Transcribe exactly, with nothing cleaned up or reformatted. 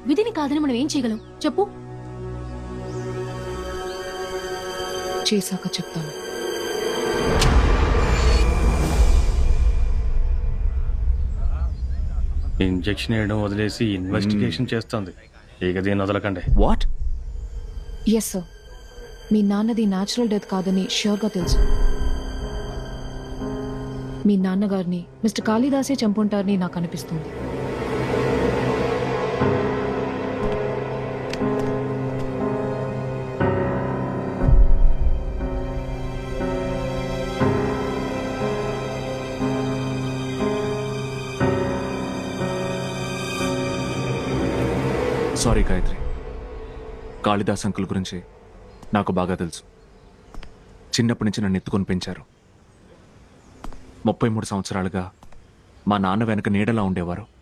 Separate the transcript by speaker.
Speaker 1: విధిని కాదని మనం ఏం చేయగలం చెప్పు.
Speaker 2: చేశాక చెప్తాను.
Speaker 3: ఇంజెక్షన్ వేయడం వదిలేసి ఇన్వెస్టిగేషన్ చేస్తుంది. ఇక దీన్ని వదలకండి.
Speaker 4: వాట్?
Speaker 2: ఎస్ సార్, మీ నాన్నది న్యాచురల్ డెత్ కాదని ష్యూర్గా తెలుసు. మీ నాన్నగారిని మిస్టర్ కాళిదాసే చంపుంటారని నాకు అనిపిస్తుంది.
Speaker 4: సారీ గాయత్రి, కాళిదాస్ అంకుల్ గురించి నాకు బాగా తెలుసు. చిన్నప్పటి నుంచి నన్ను ఎత్తుకొని పెంచారు. ముప్పై మూడు సంవత్సరాలుగా మా నాన్న వెనక నీడలా ఉండేవారు.